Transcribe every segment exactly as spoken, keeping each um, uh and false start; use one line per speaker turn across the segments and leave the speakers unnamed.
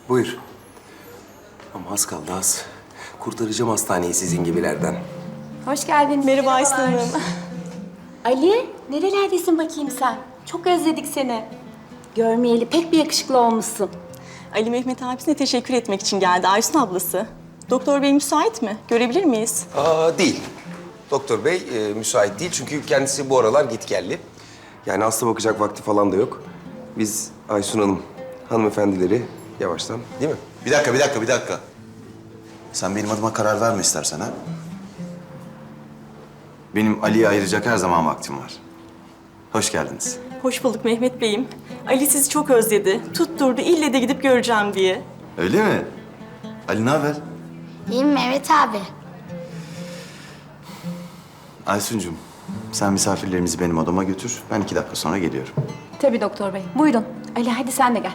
Buyur. Ama az kaldı az. Kurtaracağım hastaneyi sizin gibilerden.
Hoş geldin.
Merhaba Aysun Hanım.
Ali, nerelerdesin bakayım sen? Çok özledik seni. Görmeyeli pek bir yakışıklı olmuşsun.
Ali Mehmet abisine teşekkür etmek için geldi Aysun ablası. Doktor bey müsait mi? Görebilir miyiz?
Aa, değil. Doktor bey e, müsait değil çünkü kendisi bu aralar gitgelli. Yani hasta bakacak vakti falan da yok. Biz Aysun Hanım, hanımefendileri yavaştan, değil mi?
Bir dakika, bir dakika, bir dakika. Sen benim adıma karar verme istersen ha. Benim Ali'ye ayıracak her zaman vaktim var. Hoş geldiniz.
Hoş bulduk Mehmet beyim. Ali sizi çok özledi. Tutturdu ille de gidip göreceğim diye.
Öyle mi? Ali ne haber?
İyiyim Mehmet abi.
Aysuncuğum, sen misafirlerimizi benim odama götür. Ben iki dakika sonra geliyorum.
Tabii doktor bey. Buyurun. Ali hadi sen de gel.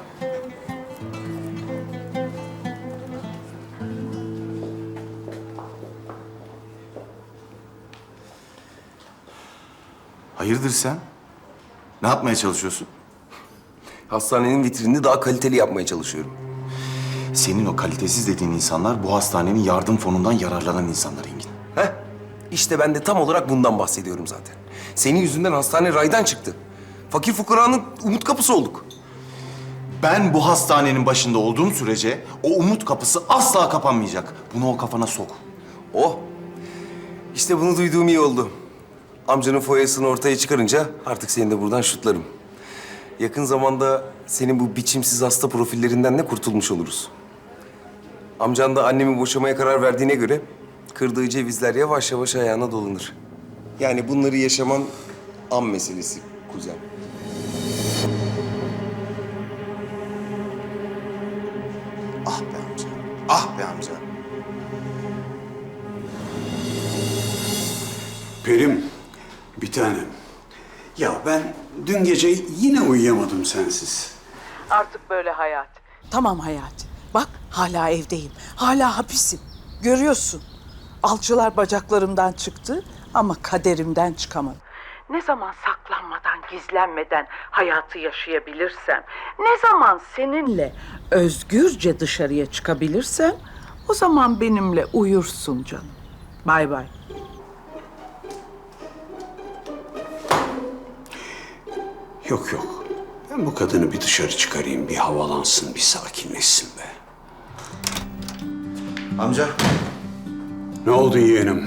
Hayırdır sen? Ne yapmaya çalışıyorsun?
Hastanenin vitrinini daha kaliteli yapmaya çalışıyorum.
Senin o kalitesiz dediğin insanlar bu hastanenin yardım fonundan yararlanan insanlar Engin.
Heh, işte ben de tam olarak bundan bahsediyorum zaten. Senin yüzünden hastane raydan çıktı. Fakir fukaranın umut kapısı olduk.
Ben bu hastanenin başında olduğum sürece o umut kapısı asla kapanmayacak. Bunu o kafana sok.
Oh, işte bunu duyduğum iyi oldu. Amcanın foyasını ortaya çıkarınca artık seni de buradan şutlarım. Yakın zamanda senin bu biçimsiz hasta profillerinden de kurtulmuş oluruz. Amcan da annemi boşamaya karar verdiğine göre kırdığı cevizler yavaş yavaş ayağına dolanır. Yani bunları yaşaman an meselesi kuzen.
Ah be amca, ah be amca.
Perim, bir tanem. Ya ben dün gece yine uyuyamadım sensiz.
Artık böyle hayat.
Tamam Hayati. Bak hala evdeyim. Hala hapisim. Görüyorsun. Alçılar bacaklarımdan çıktı ama kaderimden çıkamadım.
Ne zaman saklanmadan, gizlenmeden hayatı yaşayabilirsem, ne zaman seninle
Özgürce dışarıya çıkabilirsem o zaman benimle uyursun canım. Bay bay.
Yok yok. Ben bu kadını bir dışarı çıkarayım, bir havalansın, bir sakinleşsin be.
Amca,
Ne oldu yeğenim?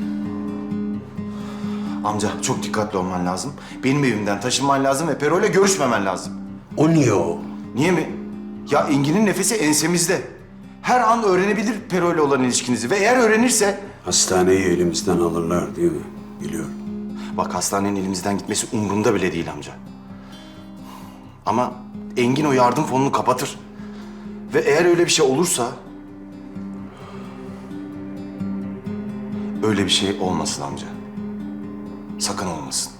amca çok dikkatli olman lazım. Benim evimden taşınman lazım ve Pero'yla görüşmemen lazım.
O niye o?
Niye mi? Ya Engin'in nefesi ensemizde. Her an öğrenebilir Pero'yla olan ilişkinizi ve eğer öğrenirse...
Hastaneyi elimizden alırlar değil mi? Biliyorum.
Bak hastanenin elimizden gitmesi umurumda bile değil amca. Ama Engin o yardım fonunu kapatır. Ve eğer öyle bir şey olursa... Öyle bir şey olmasın amca. Sakın olmasın.